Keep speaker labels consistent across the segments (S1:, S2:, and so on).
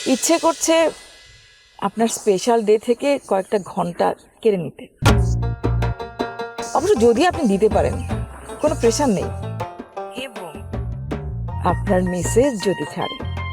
S1: ইচ্ছে করছে আপনার স্পেশাল ডে থেকে কয়েকটা ঘন্টা কেড়ে নিতে। অবশ্য যদি আপনি দিতে পারেন, কোনো প্রেশার নেই, এবং আপনার মেসেজ যদি ছাড়ে।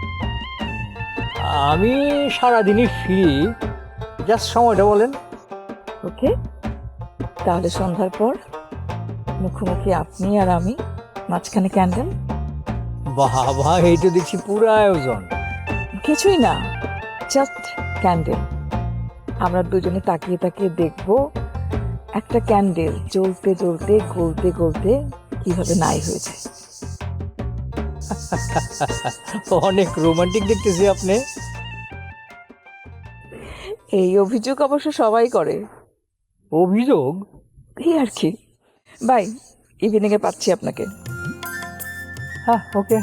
S2: আমি সারাদিনই ফ্রি, জাস্ট সময়টা বলেন।
S1: ওকে, তাহলে সন্ধ্যার পর মুখোমুখি আপনি আর আমি, মাঝখানে ক্যান্ডেল।
S2: বাবা, এই তো দেখছি পুরো আয়োজন।
S1: কিছুই না, জাস্ট ক্যান্ডেল। আমরা দুজনে তাকিয়ে তাকিয়ে দেখব একটা ক্যান্ডেল জ্বলতে জ্বলতে গলতে গলতে কিভাবে নাই হয়ে যায়।
S2: অনেক রোমান্টিক দেখতেছি আপনি।
S1: এই অভিযোগ অবশ্য সবাই করে।
S2: অভিযোগ?
S1: এই আর কি। বাই, ইভিনিং এ পাচ্ছি আপনাকে।
S2: হ্যাঁ, ওকে।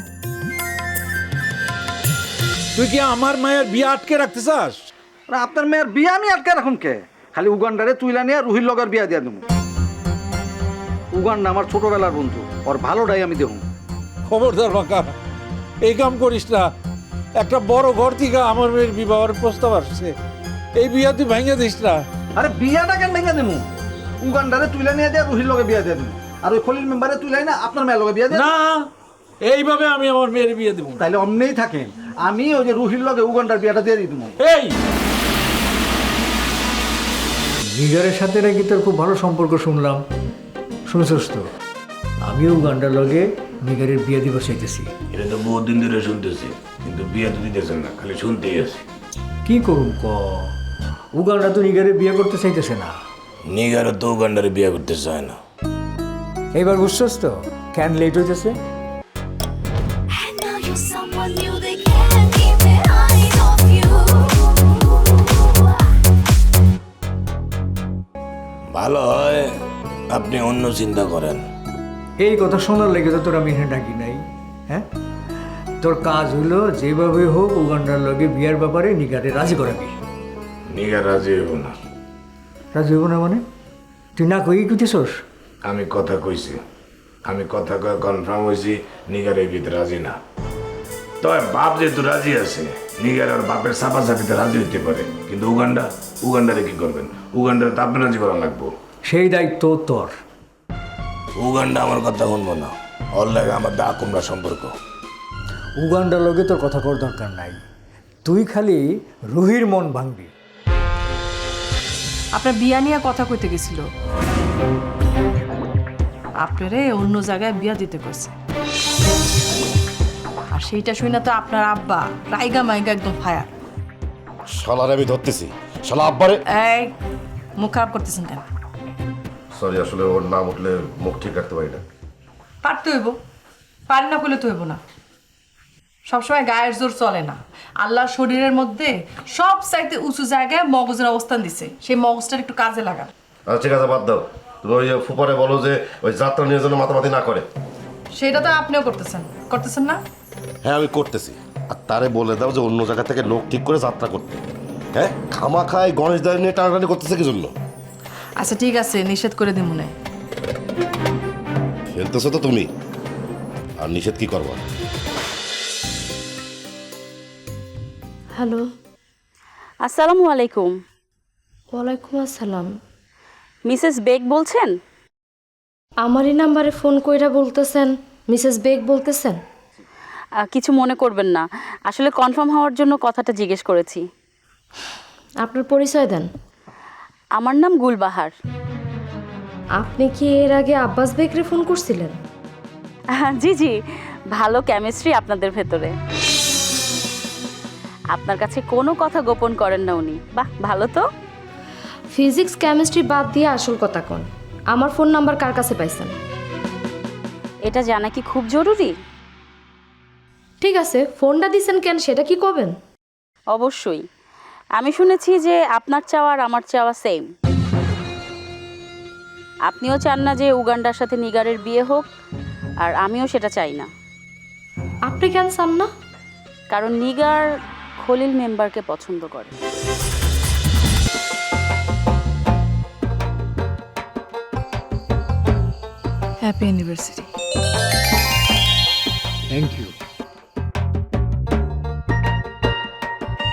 S3: তুই কি আমার মায়ের বিয়ে আটকে রাখতে চাস?
S4: আপনার মেয়ের বিয়ে আমি আটকে রাখুন কে? খালি উগান্ডারে তুইলা নিয়ে রুহির লগের বিয়া দিয়া দেবো। উগান্ডা আমার ছোটবেলার বন্ধু, ওর ভালোটাই আমি দেখুন।
S3: খবরদার বাঁকা, এই কাম করিস না। একটা বড় ঘর থেকে আমার মেয়ের বিবাহের প্রস্তাব আসছে, এই বিয়া তুই ভেঙে দিস না।
S4: আরে বিয়াটা কেন ভেঙে দেবো? উগান্ডারে তুইলা নিয়ে দিয়া রুহির লগে বিয়া দিয়ে দেবো, আর ওই খলিল মেম্বারে তুইলাই না আপনার মেয়ের লগে বিয়া দিয়ে।
S3: না, এইভাবে আমি আমার মেয়ের বিয়ে দেবো।
S4: তাইলে অমনেই থাকেন, আমি ওই যে রুহির লগে উগান্ডার বিয়াটা দিয়ে দিই দেবো।
S3: এই
S2: নিগারের সাথে নাকি তোর খুব ভালো সম্পর্ক শুনলাম, শুনছস তো? আমিও উগান্ডার লগে নিগারের বিয়ে দিব চাইতেছি।
S5: এটা তো বহুদিন ধরে শুনতেছি, কিন্তু বিয়ে তো দিতেছেন না, খালি শুনতেই আছে।
S2: কি করুম ক, উগান্ডা তো নিগারের বিয়ে করতে চাইতেছে না।
S5: নিগারও তো উগান্ডারে বিয়ে করতে চায় না।
S2: এইবার বুঝছস তো কেন লেট হইতেছে?
S6: And now you're someone new, they can't keep their eyes off you.
S5: ভালো হয় আপনি অন্য চিন্তা করেন।
S2: এই কথা শোনার লেগে তো তোর আমি এখানে ডাকি নাই। হ্যাঁ, তোর কাজ হলো যেভাবে হোক উগান্ডার লগে বিয়ার ব্যাপারে নিগারে রাজি করাবি।
S5: নিগার রাজি হইব না।
S2: রাজি হইব না মানে? তুই না কই কুতেছস?
S5: আমি কথা কইছি, আমি কথা কয়ে কনফার্ম হয়েছি নিগার এই বিয়েতে রাজি না। তবে বাপ যেহেতু রাজি আছে, নিগার আর বাপের চাপাচাপিতে রাজি হইতে পারে, কিন্তু উগান্ডারে কি করবেন? উগান্ডারে তো আপনি রাজি করা লাগবো।
S2: সেই দায়িত্ব তোর।
S5: উগান্ডা আমার কথা শুনবো না, ওর লাগে আমার দা কুমড়া সম্পর্ক।
S2: উগান্ডার লগে তোর কথা কর দরকার নাই, তুই খালি রুহির মন ভাঙবি।
S7: আপনার বিয়া নিয়ে কথা কইতে গেছিল, আপনারে অন্য জায়গায় বিয়া দিতে কইছে। আর সেইটা শুই না তো আপনার আব্বা রাইগা মাইগা একদম ফায়ার।
S8: শালার আমি ধরতেছি, শালা আব্বারে।
S7: এই মুখ খারাপ করতেছেন কেন?
S8: সরি, আসলে ওর নাম উঠলে মুখ ঠিক রাখতে পারি না।
S7: পারতে হইব, পারি না করলে তো হইব না। সবসময় গায়ের জোর চলে না। আল্লাহ শরীরের মধ্যে সব চাইতে উঁচু জায়গায় মগজের অবস্থান দিছে, সেই মগজটার একটু কাজে লাগান।
S8: আচ্ছা ঠিক আছে, বাদ দাও। তুমি ওই ফুপারে বলো যে ওই যাত্রা নিয়ে যেন মাতামাতি না করে।
S7: সেটা তো আপনিও করতেছেন না?
S8: হ্যাঁ, আমি করতেছি। আর তারে বলে দাও যে অন্য জায়গা থেকে লোক ঠিক করে যাত্রা করতে। হ্যাঁ, খামা খায় গণেশ দাঁড়িয়ে নিয়ে টানাটানি করতেছে কি জন্য?
S7: আচ্ছা ঠিক আছে, নিষেধ করে দিই মনে।
S8: খেলতেছো তো তুমি, আর নিষেধ কি করবা?
S9: হ্যালো, আসসালামু আলাইকুম।
S10: ওয়ালাইকুম আসসালাম।
S9: মিসেস বেগ বলছেন?
S10: আমারই নাম্বারে ফোন কইরা বলতেছেন মিসেস বেগ বলতেছেন?
S9: কিছু মনে করবেন না, আসলে কনফার্ম হওয়ার জন্য কথাটা জিজ্ঞেস করেছি।
S10: আপনার পরিচয় দেন।
S9: আমার নাম গুলবাহার।
S10: আপনি কি এর আগে আব্বাস বেগরে ফোন করছিলেন?
S9: জি জি, ভালো কেমিস্ট্রি আপনাদের ভেতরে। আপনার কাছে কোনো কথা গোপন করেন না উনি। বাহ, ভালো তো।
S10: ফিজিক্স কেমিস্ট্রি বাদ দিয়ে আসল কথা কোন, আমার ফোন নাম্বার কার কাছে পাইছেন?
S9: এটা জানা কি খুব জরুরি?
S10: ঠিক আছে, ফোনটা দিছেন কেন সেটা কি কবেন?
S9: অবশ্যই। আমি শুনেছি যে আপনার চাওয়া আর আমার চাওয়া সেম। আপনিও চান না যে উগান্ডার সাথে নিগারের বিয়ে হোক, আর আমিও সেটা চাই না।
S10: আপনি কেন চান না?
S9: কারণ নিগার খলিল মেম্বারকে পছন্দ করে।
S7: Happy anniversary.
S2: Thank you.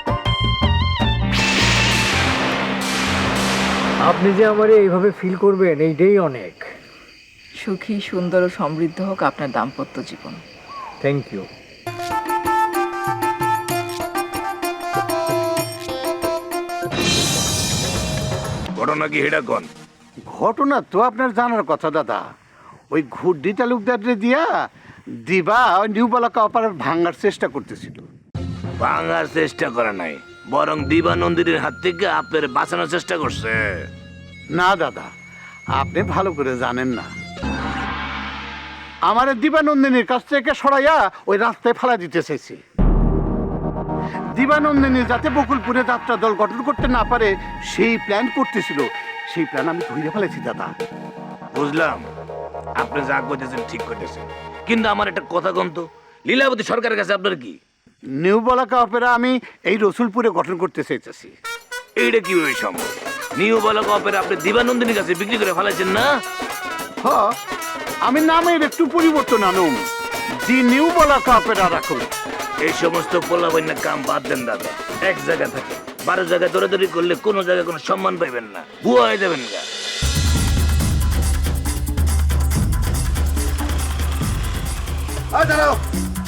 S2: আপনি যে আমারে এইভাবে ফিল করবেন এইটাই অনেক।
S1: সুখী, সুন্দর ও সমৃদ্ধ হোক আপনার দাম্পত্য জীবন।
S2: Thank you.
S5: ঘটনা কি হেডা কোন?
S11: ঘটনা তো আপনার জানার কথা দাদা। ওই ঘুড্ডি তালুকদারে দিয়া দিবা ওই নিউ বলাকা অপারেট ভাঙার চেষ্টা করতেছিল।
S5: ভাঙার চেষ্টা করে নাই, বরং দিবানন্দিনীর হাত থেকে আপনার বাঁচানোর চেষ্টা করছে।
S11: না দাদা, আপনি ভালো করে জানেন না। আমার দিবানন্দিনীর কাছ থেকে সরাইয়া ওই রাস্তায় ফেলা দিতে চাইছি। দিবানন্দিনী যাতে বকুলপুরে যাত্রা দল গঠন করতে না পারে সেই প্ল্যান করতেছিল। সেই প্ল্যান আমি ধরে ফেলেছি দাদা।
S5: বুঝলাম, আপনি যা করতেছেন ঠিক করতেছেন, কিন্তু আমার একটা কথা কম তো, লীলাবতী সরকারের কাছে আপনার কি?
S11: নিউ বলাকা অপেরা আমি এই রসুলপুরে গঠন করতে চাইতেছি।
S5: এইটা কিভাবে সম্ভব? নিউ বলাকা অপেরা আপনি দিবানন্দিনীর কাছে বিক্রি করে ফেলাইছেন না?
S11: হ, আমি নামের একটু পরিবর্তন আনুম, দি নিউ বলাকা অপেরা রাখুন।
S5: এই সমস্ত পোলাবাইনা কাম বাদ দেন দাদা। এক জায়গায় থাকে 12 জায়গায় দৌড়াদৌড়ি করলে কোনো জায়গায় কোনো সম্মান পাইবেন না, বুয়া হয়ে যাবেন না।
S8: দাঁড়াও,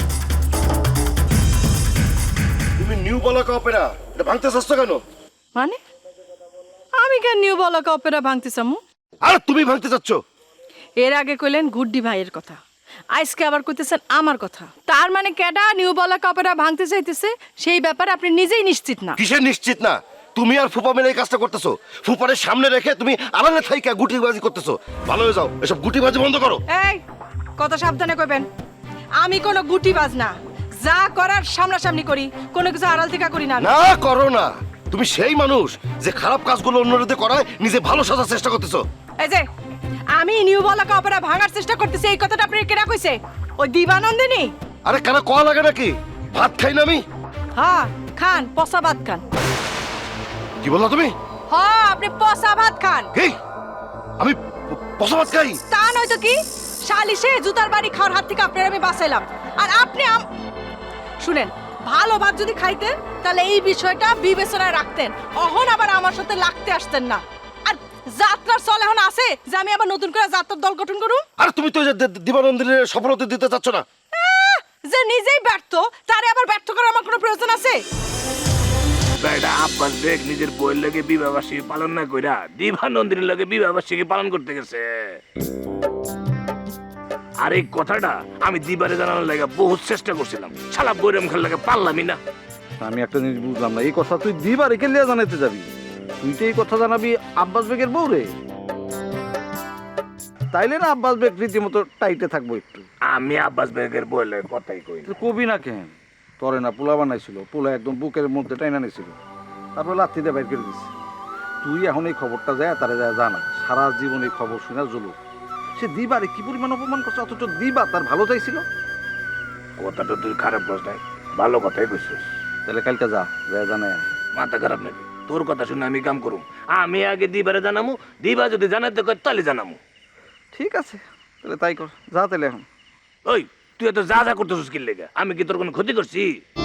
S8: তুমি নিউ বলাকা অপেরা এটা ভাঙতে চাচ্ছ কেন?
S7: মানে আমি কেন নিউ বলাকা অপেরা ভাঙতে চামু?
S8: আর তুমি ভাঙতে চাচ্ছ?
S7: এর আগে কইলেন গুড্ডি ভাইয়ের কথা, আজকে আবার কইতেছেন আমার কথা। তার মানে কেডা নিউ বলাকা অপেরা ভাঙতে চাইতেছে সেই ব্যাপারে আপনি নিজেই নিশ্চিত না?
S8: কিসের নিশ্চিত না? তুমি আর ফুপা মিলে এই কাজটা করতেছো। ফুপারের সামনে রেখে তুমি আড়ালে থাইকা গুটিবাজি করতেছো। ভালো হয়ে যাও, এসব গুটিবাজি বন্ধ করো।
S7: এই কথা সাবধানে কইবেন। আমি কোনো গুটিবাজ না, যা করার সামনাসামনি করি, কোনো কিছু আড়াল থেকে করি না।
S8: না করো না, তুমি সেই মানুষ যে খারাপ কাজগুলো অন্যদের করায় নিজে ভালো সাজার চেষ্টা করতেছো।
S7: এই যে আমি নিউ বলাকা অপেরা ভাঙার চেষ্টা করতেছি, এই কথাটা আপনি কেনা কইছে? ওই দিবানন্দিনী?
S8: আরে কেন কয়া লাগে নাকি? ভাত খাই না আমি?
S7: হ্যাঁ খান, পচা ভাত খান।
S8: কি বললা তুমি?
S7: হ্যাঁ আপনি পচা ভাত খান।
S8: কি আমি পচা ভাত খাই?
S7: তা নয়তো কি, শালিশে জুতার বাড়ি খাওয়ার হাত থেকে আপনার আমি বাঁচাইলাম, আর আপনি শুনেন, ভালো ভাত যদি খাইতেন তাহলে এই বিষয়টা বিবেচনায় রাখতেন, অহন আবার আমার সাথে লাগতে আসতেন না। আর যাত্রার চল এখন আছে যে আমি আবার নতুন করে যাত্রার দল গঠন করুম?
S8: আর তুমি তো দিবানন্দিনীর সফলতা দিতে চাচ্ছ না।
S7: যে নিজেই ব্যর্থ তারে আবার ব্যর্থ করার আমার কোনো প্রয়োজন আছে?
S5: বেটা আব্বাস বেগ নিজের বইয়ের লগে বিবাহবার্ষিকী পালন না কইরা দিবানন্দিনীর লগে বিবাহবার্ষিকী পালন করতে গেছে। আর এই কথাটা আমি দিবারে জানানোর লাগে বহুত চেষ্টা করছিলাম, শালা বৈরাম খেলার লাগে পারলামই না।
S4: আমি একটা জিনিস বুঝলাম না, এই কথা তুই দিবা রেখে লিয়া জানাইতে যাবি? তুই তো এই কথা জানাবি আব্বাস বেগের বউ রে, তাইলে না আব্বাস বেগ রীতিমতো টাইটে থাকবো একটু।
S5: আমি আব্বাস বেগের বইয়ের লগে কথাই কই না।
S4: তুই কবি না কেন? তরে না পোলা বানাইছিল, পোলা একদম বুকের মধ্যে টাইনা নিয়েছিল, তারপর লাথি দিয়ে বাইর করে দিছে। তুই এখন এই খবরটা যায় তারা যায় জানা, সারা জীবন এই খবর শুনে জলু। সে দিবারে কি পরিমাণ অপমান করছে, অথচ দিবা তার ভালো চাইছিল।
S5: কথাটা তুই খারাপ বস নাই, ভালো কথাই কইছিস।
S4: তাহলে কালকে যা যায় জানায়।
S5: মাথা খারাপ নাকি? তোর কথা শুনে আমি কাম করুম। আমি আগে দিবারে জানামু, দিবা যদি জানাতে কয় তাহলে জানামু।
S4: ঠিক আছে, তাহলে তাই কর, যা তাহলে এখন।
S5: ওই তুই এত যা যা করতেছিস কি লেগে? আমি কি তোর কোনো ক্ষতি করছি?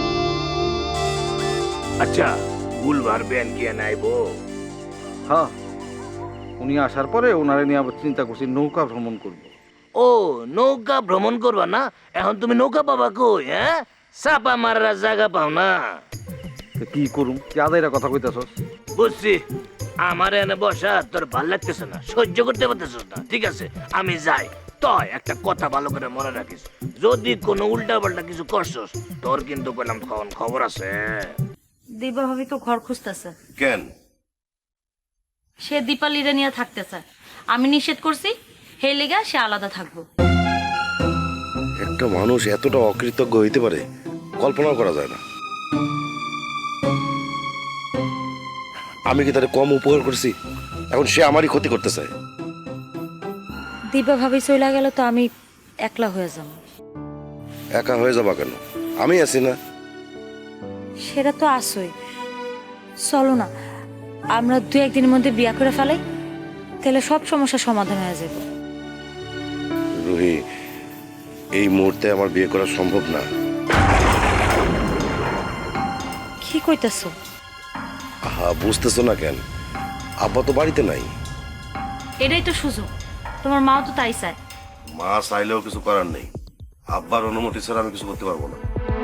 S5: আচ্ছা বুলবার বেন কি নাইবো?
S4: হ্যাঁ, উনি আসার পরে ওনারে নিয়ে আবার চিন্তা করছি নৌকা ভ্রমণ করব।
S5: ও নৌকা ভ্রমণ করবা না? এখন তুমি নৌকা পাবা কই? হ্যাঁ, চাপা মারার জায়গা পাও না।
S4: তো কি করুম, কি আদাইরা কথা কইতাছস?
S5: বুঝছি, আমার এনে বসা তোর ভাল লাগতেছে না, সহ্য করতে পারতেছিস না। ঠিক আছে আমি যাই, তয় একটা কথা ভালো করে মনে রাখিস, যদি কোনো উল্টা পাল্টা কিছু করছস তোর কিন্তু বললাম খবর আছে।
S9: দিবা ভাবি তো ঘর খুঁজতেছে।
S8: কেন?
S9: সে দীপালিরে নিয়ে থাকতে চায়, আমি নিষেধ করছি, হে লেগা সে আলাদা থাকবো।
S8: একটা মানুষ এতটা অকৃতজ্ঞ হইতে পারে কল্পনাও করা যায় না। আমি কি তারে কম উপকার করছি? এখন সে আমারই ক্ষতি করতে চায়।
S9: দিবা ভাবি চলে গেল তো আমি একলা হয়ে যাব।
S8: একা হয়ে যাবা কেন? আমি আছি না?
S9: সেটা তো আসই। চলো না আমরা 2-1 দিনের মধ্যে বিয়া করে ফেলাই, তাহলে সব সমস্যার সমাধান হয়ে যাবে।
S8: রুহি, এই মুহূর্তে আমার বিয়ে করা সম্ভব না।
S9: কি কইতাছো?
S8: বুঝতেছো না কেন? আব্বা তো বাড়িতে নাই।
S9: এটাই তো সুযোগ, তোমার মাও তো তাই চায়।
S8: মা চাইলেও কিছু করার নেই, আব্বার অনুমতি ছাড়া আমি কিছু করতে পারবো না।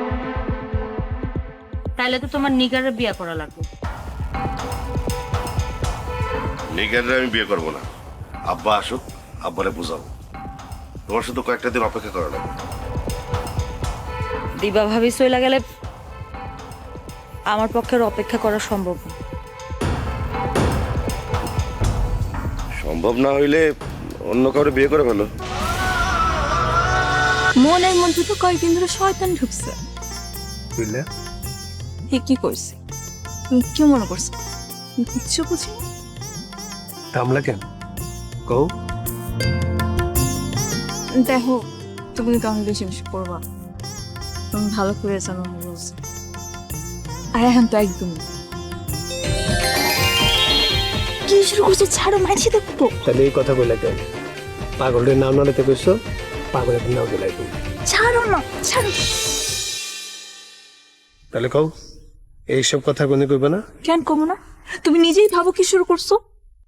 S9: তাইলে তো তোমার নিগারের বিয়ে করা লাগবে।
S8: নিগারে আমি বিয়ে করবো না, আব্বা আসুক, আব্বারে বুঝাবো। তোমার শুধু কয়েকটা দিন অপেক্ষা করা লাগবে।
S9: দিবা ভাবি চলে গেলে আমার পক্ষে অপেক্ষা করা সম্ভব না।
S8: সম্ভব না হইলে অন্য কাউরে বিয়ে করে ফেলো।
S6: মনের মধ্যে তো কয়েকদিন ধরে শয়তান ঢুকছে।
S2: বুঝলে?
S6: কি করছে? তুমি কি মনে করছো? কিচ্ছু বুঝি
S2: থামলা কেন? কও।
S6: দেখো, তুমি কাউকে বেশি বেশি করবা, তুমি ভালো করে জানো আমি বলছি। আর এখন তো একদম কি শুরু করছে, ছাড়ো, মাইছি দেখবো।
S2: তাহলে এই কথা বলে কেন? পাগলের নাম নাড়াতে কইছো, পাগলের নাম বলে তুমি।
S6: ছাড়ো না, ছাড়ো।
S2: তাহলে কও, এইসব কথা কোনে কইবে না?
S6: কেন কমো না? তুমি নিজেই ভাবো কি শুরু করছো।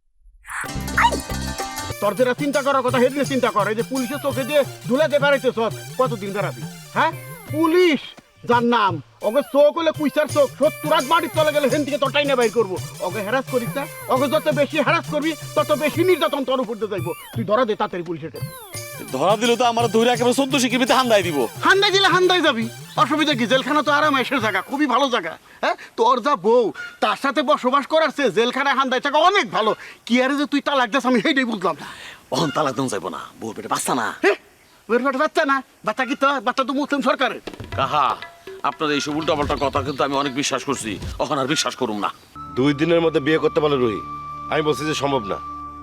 S11: তোর যেটা চিন্তা করার কথা হেদিনে চিন্তা কর। এই যে পুলিশের চোখে দিয়ে ধুলাতে বেড়াইতেছ, কতদিন বেড়াবি? হ্যাঁ, পুলিশ যার নাম, ওকে চোখ হলে কুইসার চোখ, 70 রাত বাড়ির চলে গেলে হেন থেকে তোরটাই না বাইর করবো। ওকে হ্যারাস করিস না, ওকে যত বেশি হ্যারাস করবি তত বেশি নির্যাতন তোর উপর দিয়ে যাইবো। তুই ধরা দে তাড়াতাড়ি পুলিশের কাছে।
S12: ধরা দিল তো আমার ধরে একেবারে 14 শিকিবিতে হান্দাই দিব।
S11: হান্দাই দিলে হান্দাই যাবি, অসুবিধা কি? জেলখানা তো আরামাইশের জায়গা, খুবই ভালো জায়গা। হ্যাঁ, তোর যা বউ তার সাথে বসবাস করার চেয়ে জেলখানায় হান্দাই থাকা অনেক ভালো। কি আরে যে তুই তালাক দাস, আমি সেইটাই বুঝলাম না।
S12: অহন তালাক দেন যাইব না, বউর পেটে বাচ্চা না।
S11: ওর পেটে বাচ্চা না? বাচ্চা কি তোর? বাচ্চা তো মুসলিম সরকারের।
S12: কাহা, আপনার এইসব উল্টাপাল্টা কথা কিন্তু আমি অনেক বিশ্বাস করছি, অহন আর বিশ্বাস করুম না।
S8: 2 দিনের মধ্যে বিয়ে করতে পারলে রুহি, আমি বলছি যে সম্ভব না।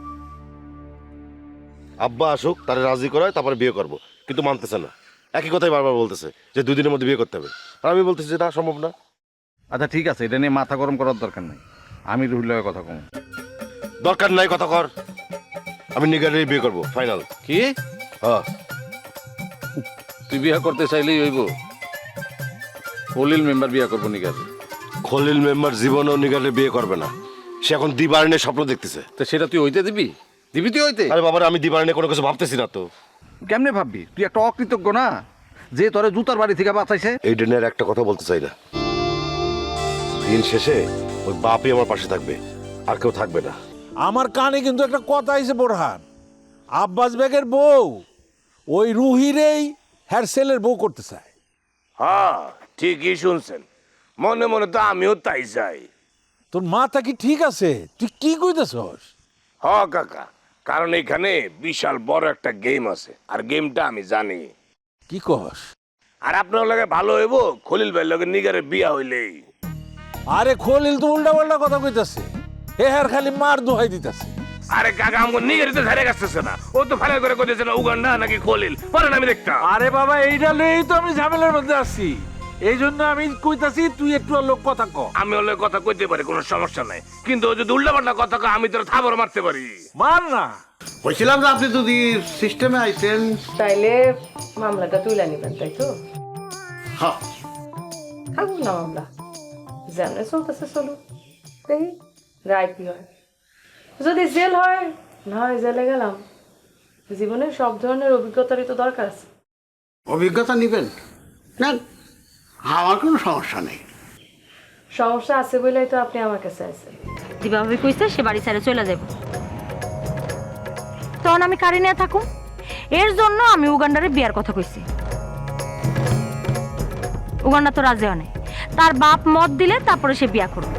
S8: আব্বা আসুক, তারে রাজি করায়, তারপরে বিয়ে করব, কিন্তু মানতেছে না। একই কথাই বারবার বলতেছে যে 2 দিনের মধ্যে বিয়ে করতে হবে। আর আমি বলতেছি যে না, সম্ভব না।
S4: আচ্ছা ঠিক আছে, এটা নিয়ে মাথা গরম করার দরকার নেই, আমি রুহির লগে কথা কম।
S8: দরকার নাই কথা কর, আমি নিগারেই বিয়ে করব, ফাইনাল।
S3: কি?
S8: হ্যাঁ,
S3: তুই বিয়া করতে চাইলেই হইব? খলিল মেম্বার বিয়া করবো নিকাজ।
S8: খলিল মেম্বার জীবনও নিগারে বিয়ে করবে না। সে এখন দিবারণের স্বপ্ন দেখতেছে।
S3: তো সেটা তুই হইতে দিবি? দিবি তুই হইতে?
S8: আরে বাবার, আমি দিবারণে কোনো কিছু ভাবতেছি না তো।
S4: কেমনে ভাববি? তুই একটা অকৃতজ্ঞ না, যে তোরে জুতার বাড়ি থেকে বাঁচাইছে।
S8: এই ডেনের একটা কথা বলতে চাই না, দিন শেষে ওই বাপই আমার পাশে থাকবে, আর কেউ থাকবে না।
S3: আমার কানে কিন্তু একটা কথা আইছে বোরহান, আব্বাস বেগের বউ ওই রুহিরেই হ্যার ছেলের বউ করতে চায়।
S5: হ্যাঁ, ঠিকই শুনছেন, মনে মনে তো আমিও তাই চাই।
S3: তোর মাথা কি ঠিক আছে? তুই কি কইতেছস?
S5: হ কাকা, কারণ এখানে বিশাল বড় একটা গেম আছে, আর গেমটা আমি জানি।
S3: কি কস?
S5: আর আপনার লগে ভালো হইব খলিল ভাইয়ের লগে নিগারের বিয়া হইলেই।
S3: আরে খলিল তো উল্টা পাল্টা কথা কইতাছে, হে হ্যার খালি মার দোহাই দিতাছে।
S5: আরে কাকা, আমাকে নিগারিতে ধারে গেছে না, ও তো ফাইনাল করে কইতেছে না উগান্ডা নাকি খলিল, পরে আমি দেখতাম।
S3: আরে বাবা, এইটা লইই তো আমি ঝামেলার মধ্যে আছি, এই জন্য আমি কইতাছি তুই একটু লোক কথা ক।
S5: আমি ওর লগে কথা কইতে পারি, কোনো সমস্যা নাই, কিন্তু ও যদি উল্টা পাল্টা কথা কয় আমি তোর থাবর মারতে পারি।
S3: মার না।
S11: বলছিলাম যে আপনি যদি সিস্টেমে আইছেন
S7: তাইলে মামলাটা তুলে নিবেন, তাই তো?
S11: হ্যাঁ,
S7: থাকুক না মামলা, যেমন চলতেছে চলুক, দেখি রায় কি হয়। যদি জেল হয়, না হয় জেলে গেলাম। জীবনে সব ধরনের অভিজ্ঞতারই তো দরকার আছে।
S11: অভিজ্ঞতা নিবেন না, আমার কোনো সমস্যা নেই।
S7: সমস্যা আছে বলেই তো আপনি আমার কাছে আছেন।
S9: দিবা ভাবি কইছে সে বাড়ি ছেড়ে চলে যাব, তখন আমি কারি নিয়ে থাকুম। এর জন্য আমি উগান্ডারে বিয়ার কথা কইছি। উগান্ডা তো রাজি হয় নাই, তার বাপ মত দিলে তারপরে সে বিয়া করবে।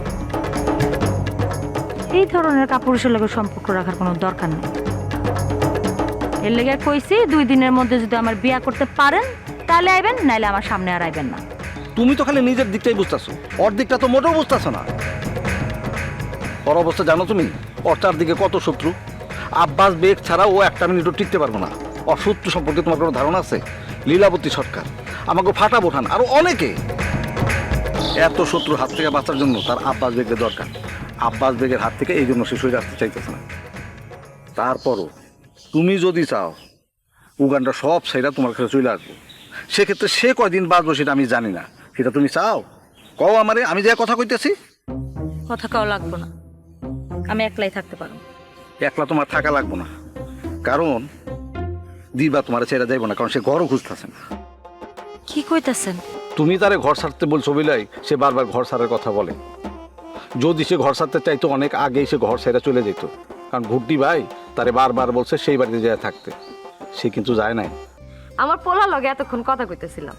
S9: এই ধরনের কাপুরুষের লগে সম্পর্ক রাখার কোনো দরকার নেই। এর লেগে কইছি 2 দিনের মধ্যে যদি আমার বিয়া করতে পারেন তাহলে আইবেন, নাইলে আমার সামনে আর আইবেন না।
S4: তুমি তো খালি নিজের দিকটাই বুঝতেছো, ওর দিকটা তো মোটেও বুঝতেছো না। ওর অবস্থা জানো তুমি? ওর চারদিকে কত শত্রু। আব্বাস বেগ ছাড়া ও একটা মিনিটও টিকতে পারবো না। ওর শত্রু সম্পর্কে তোমার কোনো ধারণা আছে? লীলাবতী সরকার, আমাকে ফাটা বোঠান, আরো অনেকে। এত শত্রুর হাত থেকে বাঁচার জন্য তার আব্বাস বেগের দরকার। আব্বাস বেগের হাত থেকে এই জন্য সে সরে আসতে চাইতেছে না। তারপরও তুমি যদি চাও উগান্ডা সব সাইডা তোমার কাছে চলে আসবো, সেক্ষেত্রে সে কয়দিন বাঁচবো সেটা আমি জানি না। সেটা তুমি চাও? কও আমারে, আমি যে কথা কইতেছি।
S9: কথা কাও লাগবো না, আমি একলাই থাকতে পারবো।
S4: একলা তোমার থাকা লাগবো না, কারণ দিবা তোমার ছেড়ে যাইব না, কারণ সে ঘরও খুঁজতেছে না।
S9: কি কইতাছেন?
S4: তুমি তারে ঘর ছাড়তে বলছো বিলাই সে বারবার ঘর ছাড়ার কথা বলে। যদি সে ঘর ছাড়তে চাইতো অনেক আগেই সে ঘর ছেড়ে চলে যেত, কারণ ভুট্টি ভাই তারে বারবার বলছে সেই বাড়িতে যায় থাকতে, সে কিন্তু যায় নাই।
S10: আমার পোলা লগে এতক্ষণ কথা কইতেছিলাম।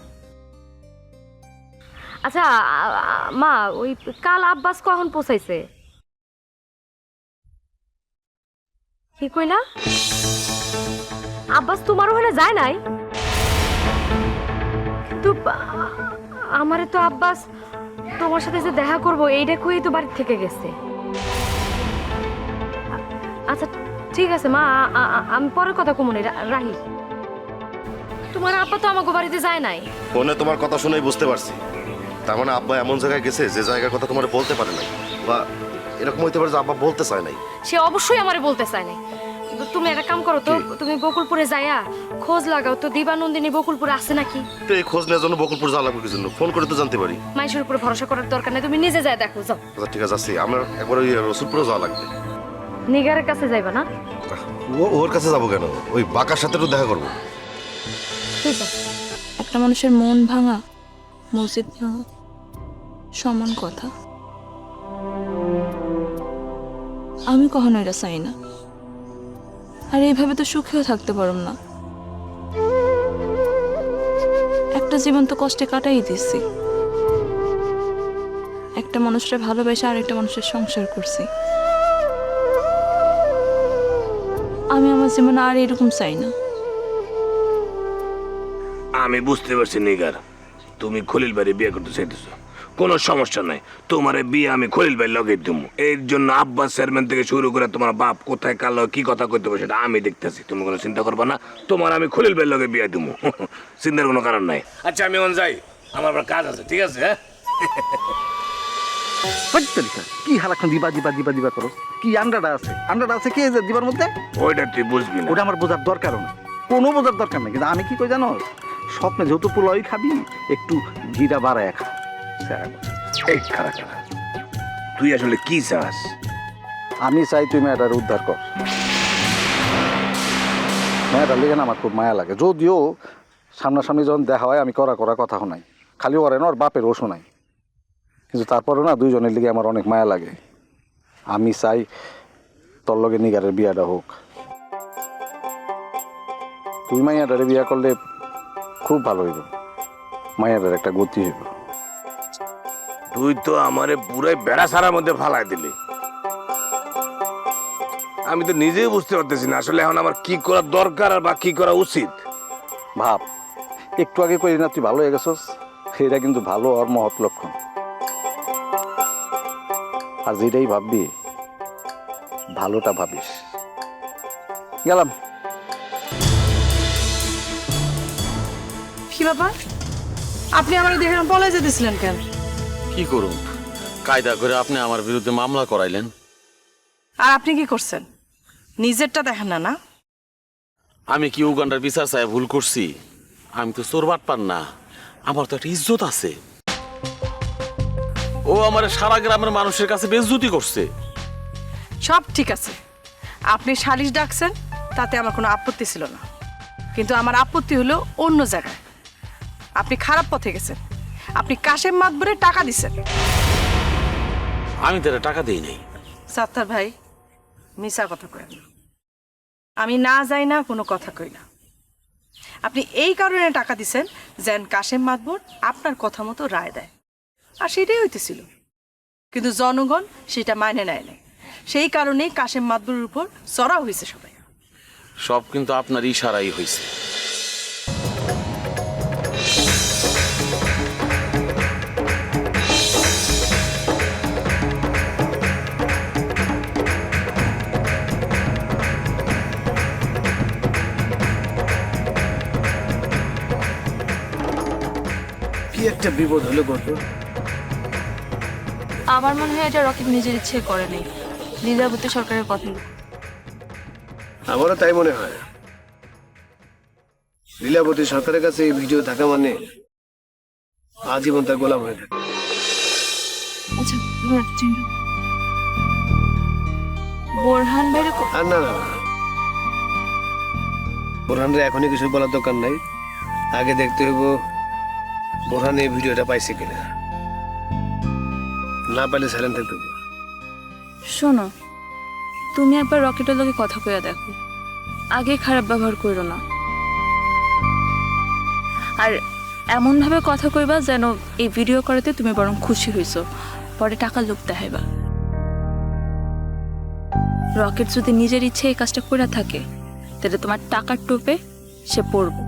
S10: আচ্ছা মা, ওই কাল আব্বাস কখন পৌঁছাইছে? কি কইলা? আব্বাস তোমার ওখানে যায় নাই? কিন্তু আমারে তো আব্বাস তোমার সাথে যে দেখা করবো এইটা কই তো বাড়ি থেকে গেছে। আচ্ছা ঠিক আছে মা, আমি পরে কথা কমুনি, রাহি। তোমার আব্বা তো আমাকে বাড়িতে যায় নাই।
S8: ফোনে তোমার কথা শুনেই বুঝতে পারছি, তার মানে আব্বা এমন জায়গায় গেছে যে জায়গার কথা তোমার বলতে পারে নাই, বা এরকম হইতে পারে যে আব্বা বলতে চায় নাই।
S10: সে অবশ্যই আমারে বলতে চায় নাই। তুমি একটা কাম করো তো, তুমি বকুলপুরে যাইয়া খোঁজ লাগাও তো দিবানন্দিনী বকুলপুরে আছে নাকি।
S8: তো এই খোঁজ নেওয়ার জন্য বকুলপুর যাওয়া লাগবে কি জন্য? ফোন করে তো জানতে পারি।
S10: মানুষের উপরে ভরসা করার দরকার নেই, তুমি নিজে যাই দেখো, যাও।
S8: আচ্ছা ঠিক আছে, আসছি। আমার একবার ওই রসুলপুরে যাওয়া লাগবে।
S10: নিগারের কাছে যাইবা না?
S8: ওর কাছে যাবো কেন? ওই বাঁকার সাথে একটু দেখা করবো।
S10: ঠিক আছে।
S6: একটা মানুষের মন ভাঙা মসজিদ ভাঙা সমান কথা। আমি কখনো এটা চাই না, আর এইভাবে তো সুখেও থাকতে পারলাম না। একটা জীবন তো কষ্টে কাটাই দিচ্ছি, একটা মানুষের ভালোবেসে আরেকটা মানুষের সংসার করছি। আমি আমার জীবনে আর এরকম চাই না।
S5: আমি বুঝতে পারছি নিগার, তুমি খলিল ভাইরে বিয়ে করতে চাইতেছো, কোনো সমস্যা নাই। তোমার বিয়ে আমি খলিল ভাই লগে দেবো। এর জন্য আব্বাস চেয়ারম্যান থেকে শুরু করে তোমার বাপ কোথায় কালো কি কথা কইতে হবে সেটা আমি দেখতেছি, তুমি কোনো চিন্তা করবা না। তোমার আমি খলিল ভাই লগে বিয়ে দেবো, চিন্তার কোনো কারণ নাই। আচ্ছা আমি এখন যাই, আমার আবার কাজ আছে, ঠিক আছে? হ্যাঁ
S4: কি হালাক্ষণ দিবা দিবা দিবা দিবা করো? কি আন্ডাটা আছে? আন্ডাটা আছে কি দিবার মধ্যে?
S5: ওইটা তুই বুঝবি না।
S4: ওটা আমার বোঝার দরকারও না, কোনো বোঝার দরকার নেই। কিন্তু আমি কি কই জানো, স্বপ্নে যেহেতু পোলাওই খাবি, একটু ঘিটা বাড়ায় খা।
S5: এই খারাপ খারাপ, তুই আসলে কি চাস?
S4: আমি চাই তুই মেয়েটার উদ্ধার কর। মেয়েটার লেগে না আমার খুব মায়া লাগে, যদিও সামনাসামনি যখন দেখা হয় আমি করা করা কথা শোনাই, খালি ওরে না ওর বাপের ও শোনাই, কিন্তু তারপরেও না দুইজনের লিগে আমার অনেক মায়া লাগে। আমি চাই তোর লগে নিগারের বিয়াটা হোক। তুই মাইয়াটারে বিয়া করলে খুব ভালো হইব, মাইয়াটার একটা গতি হইব।
S5: তুই তো আমারে পুরাই বেড়া সারার মধ্যে ফালাই দিলি। আমি তো নিজেই বুঝতে পারতেছি না আসলে এখন আমার কি করা দরকার আর বা কি করা উচিত।
S4: ভাব, একটু আগে করি না তুই ভালো হয়ে গেছস, এটা কিন্তু ভালো আর মহৎ লক্ষণ। আর যেটাই ভাববি ভালোটা ভাবিস। গেলাম।
S7: কি ব্যাপার, আপনি আমার দেখে বলে যেতেছিলেন কেন?
S12: কি করুন, কায়দা করে আপনি আমার বিরুদ্ধে মামলা করাইলেন।
S7: আর আপনি কি করছেন? নিজেরটা দেখেন না? না,
S12: আমি কি উগান্ডার বিচার চাই ভুল করছি? আমি তো চোর বাটপার না, আমার তো একটা ইজ্জত আছে। ও আমার সারা গ্রামের মানুষের কাছে বেইজ্জতি করছে।
S7: সব ঠিক আছে, আপনি সালিশ ডাকছেন, তাতে আমার কোনো আপত্তি ছিল না, কিন্তু আমার আপত্তি হলো অন্য জায়গায়। আপনি খারাপ পথে গেছেন, আপনি কাশেম মাতবরে টাকা দিছেন।
S12: আমি তারা টাকা দেই নাই।
S7: সাত্তার ভাই, মিছা কথা করেন না। আমি না যাই না কোনো কথা কই না। আপনি এই কারণে টাকা দিছেন যেন কাশেম মাতবর আপনার কথা মতো রায় দেয়, আর সেটাই হইতেছিল। কিন্তু জনগণ সেটা মানে নেয় নাই, সেই কারণেই কাশেম মাতবরের উপর চড়া হয়েছে সবাই।
S12: সব কিন্তু আপনার ইশারাই হয়েছে।
S11: কি একটা বিপদ হলো গত।
S6: আমার মনে হয় এটা রকিব নিজের ইচ্ছে করে নেই, লীলাবতী সরকারের কথা।
S11: আমারও তাই মনে হয়। লীলাবতী সরকারের কাছে এই ভিডিও থাকা মানে আজীবন তার গোলাম হয়ে থাকে।
S6: আচ্ছা, বোরহান ভাইরে
S11: আর না না বোরহানরে এখনই কিছু বলার দরকার নাই, আগে দেখতে হইব বোরহান এই ভিডিওটা পাইছে কিনা, না পাইলে সাইলেন্ট থাকতে হইব।
S6: শোনো, তুমি একবার রকেটের লগে কথা কইয়া দেখো, আগে খারাপ ব্যবহার করো না। আর এমনভাবে কথা কইবা যেন এই ভিডিও করাতে তুমি বরং খুশি হইছো, পরে টাকা লোভ দেখাইবা। রকেট যদি নিজের ইচ্ছে এই কাজটা করে থাকে তাহলে তোমার টাকার টোপে সে পড়বো।